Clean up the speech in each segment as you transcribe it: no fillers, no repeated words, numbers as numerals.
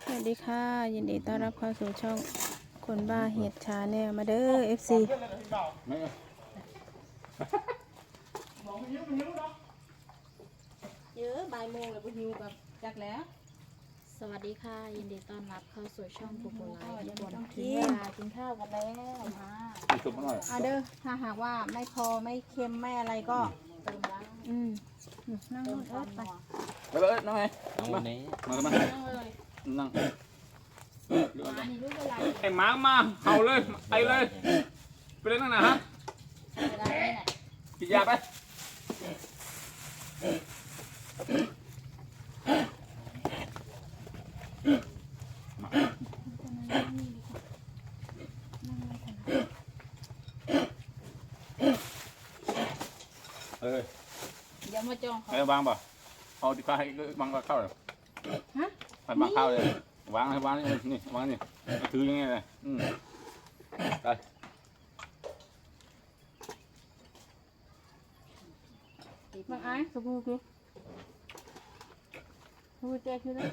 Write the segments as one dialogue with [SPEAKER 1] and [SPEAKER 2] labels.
[SPEAKER 1] วัสดีค่ะยินดีต้อนรับเข้าสู่ช่องคนบ้าเห็ดชาแนลมาเด้อ FC
[SPEAKER 2] เยอะบ่ายโมงแล้วก็หิวกับจักแล้วสวัสดีค่ะยินดีต้อนรับเข้าสู่ช่องปูปูไลฟ์ทุกคนถึงเวลากินข้าวกันแล้วมา
[SPEAKER 1] เด้อถ้าหากว่าไม่พอไม่เค็มไม่อะไรก็
[SPEAKER 2] เติมบ้าง
[SPEAKER 1] นั่ง
[SPEAKER 2] เติ
[SPEAKER 1] ร
[SPEAKER 2] ม
[SPEAKER 1] ถ
[SPEAKER 2] ความ
[SPEAKER 1] ไป
[SPEAKER 2] นัว
[SPEAKER 3] ไปเลยน้องไง
[SPEAKER 4] น้องวันนี้
[SPEAKER 3] มามา
[SPEAKER 2] นั่งเลย
[SPEAKER 3] นั่ง
[SPEAKER 2] มานี่รู้เวลา
[SPEAKER 3] ไอ้หมามาเห่าเลยไอเลยไปเลยนั่งนะฮะ
[SPEAKER 2] เวลานี้แหละ
[SPEAKER 3] กินยาไปเอ้ย
[SPEAKER 2] เดี๋ยวมาจองเขา
[SPEAKER 3] ไอ้วางป่ะเอาที่ข้าให้วางเข้าเลย
[SPEAKER 1] ฮะ
[SPEAKER 3] ให้วางเข้าเลยวางให้วางนี่วางนี่ถือยังไงเลยไป
[SPEAKER 1] บางไอ้สบู่คือสบู่แจกคือเลย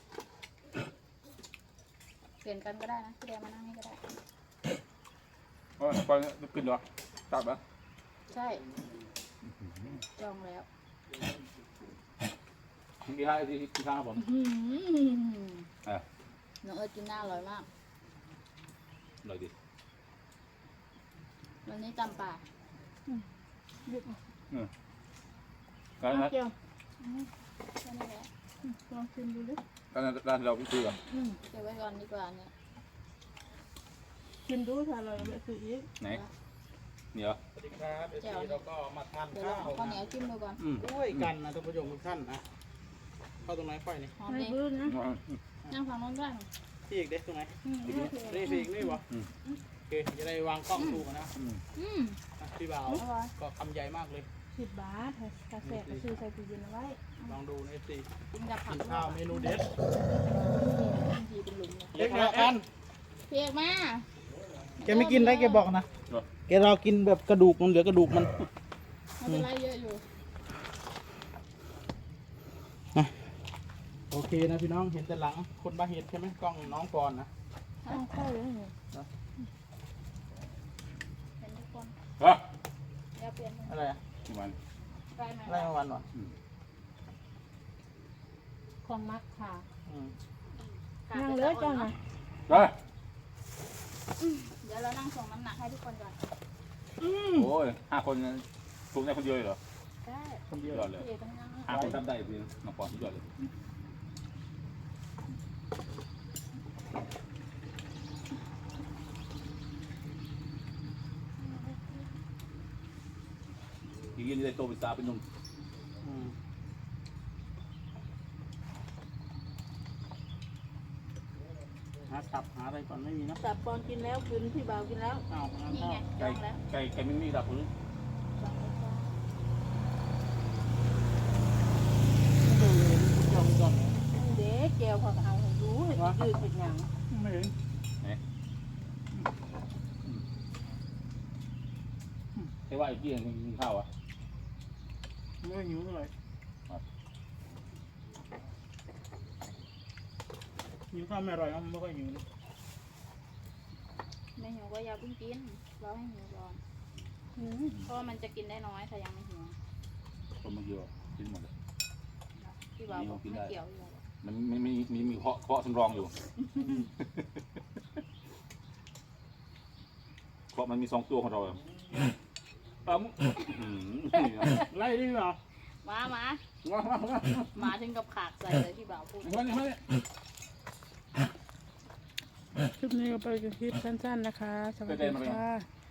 [SPEAKER 2] เปลี่ยนกันก็ได้นะเดี๋ยวมานั่งนี่ก็ได้
[SPEAKER 3] โอ้ยไปขึ้นเหรอจับเหรอ
[SPEAKER 2] ใช่จองแล้ว
[SPEAKER 3] กี่ห้าที่ข้างผม
[SPEAKER 2] น้องเอิร์ธกินหน้าอร่อยมาก
[SPEAKER 3] เลยดิ
[SPEAKER 2] วันนี้จำป่า
[SPEAKER 3] การนั้น
[SPEAKER 1] เจียว
[SPEAKER 2] แค่นี้แหละ
[SPEAKER 1] ลองชิมดูดิ
[SPEAKER 3] การนั้นร้านเราคือแบบ
[SPEAKER 2] เก็บไว้ก่อนดีกว่าเนี่ย
[SPEAKER 1] ชิมดูถ้าเราไม่ซื้ออีก
[SPEAKER 3] ไหนเหนียว
[SPEAKER 4] สวัสดีครับเดี๋ยวเราก็มาทาน
[SPEAKER 2] เดี๋ยวล
[SPEAKER 4] ข้า
[SPEAKER 2] อง
[SPEAKER 4] ว
[SPEAKER 2] ข้าวเหนียวจิ้มดูก่อน
[SPEAKER 4] ด้วยกันนะท่านผู้ชมทุกท่านนะเข้าตรงไหนค่อยนี่
[SPEAKER 2] หอม
[SPEAKER 1] ไม่
[SPEAKER 2] ดี
[SPEAKER 1] บื้นนะ
[SPEAKER 2] นั่งฝั่งโน้นได้
[SPEAKER 4] พี่อีกเด็กตรงไหน
[SPEAKER 1] โอเค
[SPEAKER 4] นี่พี่อีกนี่บ่โอเคจะได้วางกล้องถูกนะ พี่บ่าว
[SPEAKER 2] อร่อย
[SPEAKER 4] ก็คำใหญ่มากเลย
[SPEAKER 1] 10 บาทถ้าแสบก็ซื้อใส่ตู้เย็นเอาไว้
[SPEAKER 4] ลองดูในสิ
[SPEAKER 2] กินกับผั
[SPEAKER 4] กิ
[SPEAKER 2] ก
[SPEAKER 4] นข้าวเมนูเด็ด
[SPEAKER 2] บางทีเป็นหลุมเลย
[SPEAKER 4] เล็กนะกัน
[SPEAKER 2] เพียกมา
[SPEAKER 4] แกไม่กินได้แกบอกนะแกเรากินแบบกระดูกมันเหลือกระดูกมัน
[SPEAKER 2] ไม่เป็นไรเยอะอยู่
[SPEAKER 4] โอเคนะพี่น้องเห็นแต่หลังคนบาเห็ดใช่ไหมกล้องน้องปอนนะ
[SPEAKER 1] ต้องเข้าเลย
[SPEAKER 2] เป็นทุกคน
[SPEAKER 3] ฮะ
[SPEAKER 2] เดี๋ยวเปลี่ยน
[SPEAKER 4] อะไรอะ
[SPEAKER 3] มัน
[SPEAKER 2] ไปไหม
[SPEAKER 4] อะไรมาวันวะ
[SPEAKER 1] ของมักค่ะ
[SPEAKER 4] อืม
[SPEAKER 1] นั่งเลยเจ้าน่ะ
[SPEAKER 3] ไป
[SPEAKER 2] เดี๋ยวเรานั่งส่งน้ำหนักให้ทุกคนก่อน
[SPEAKER 3] โอ้ย5 คนทุกได้คนเดียวเหรอ
[SPEAKER 2] ได้
[SPEAKER 4] คนเดียว
[SPEAKER 3] ยอดเลย
[SPEAKER 2] พี่เอกต้องนั่ง
[SPEAKER 3] 5 คนทำได้พี่น้องปอนยอดเลยทีนี้ได้โตเป็นสาวเป็นหนุ่ม
[SPEAKER 4] อืมหาตับหาอะไรก่อนไม่มีนะ
[SPEAKER 1] แต่ปอนกินแล้วกินพี่บ่าวกินแล้ว
[SPEAKER 4] เอางั้น
[SPEAKER 2] นี่
[SPEAKER 4] ก็
[SPEAKER 2] ไงจ
[SPEAKER 3] ไก่
[SPEAKER 2] องแล้ว
[SPEAKER 3] ไก่ไม่มีดับหรือ
[SPEAKER 2] จองแล้วจ้า
[SPEAKER 4] ดูเลยจองก่อน
[SPEAKER 1] เด็กแก้วเขาก็เอาให้รู้ให้ยืดเป็นหยัง
[SPEAKER 4] ไม่เห็น
[SPEAKER 3] ไอ้ว่าไอ้กี้ยังกินข้าวอ่ะ
[SPEAKER 4] ไม่หิวเท่าไหร่หิวข้าวไม่อร่อยไม่ค่อยหิว
[SPEAKER 2] ไม่หิวก็อย่าเพิ่งกินเราให้หิวก่อนเพราะว่ามันจะกินได้น้อยถ้ายังไม่หิว
[SPEAKER 3] คนมันเยอะกินหมดเลย
[SPEAKER 2] พี่บ่าวบอกไม่เกี่ยวอยู่
[SPEAKER 3] มันมีเคาะสำรองอยู่เคาะมันมี2 ตัวของเราปั๊ม
[SPEAKER 4] ไล่ดีกว่า
[SPEAKER 2] มามาถึงกับขากใส่เลยพี่บ่าวพูด
[SPEAKER 1] คลิปนี้ก็ไปกันคลิปสั้นๆนะคะ สวัสดีค่ะ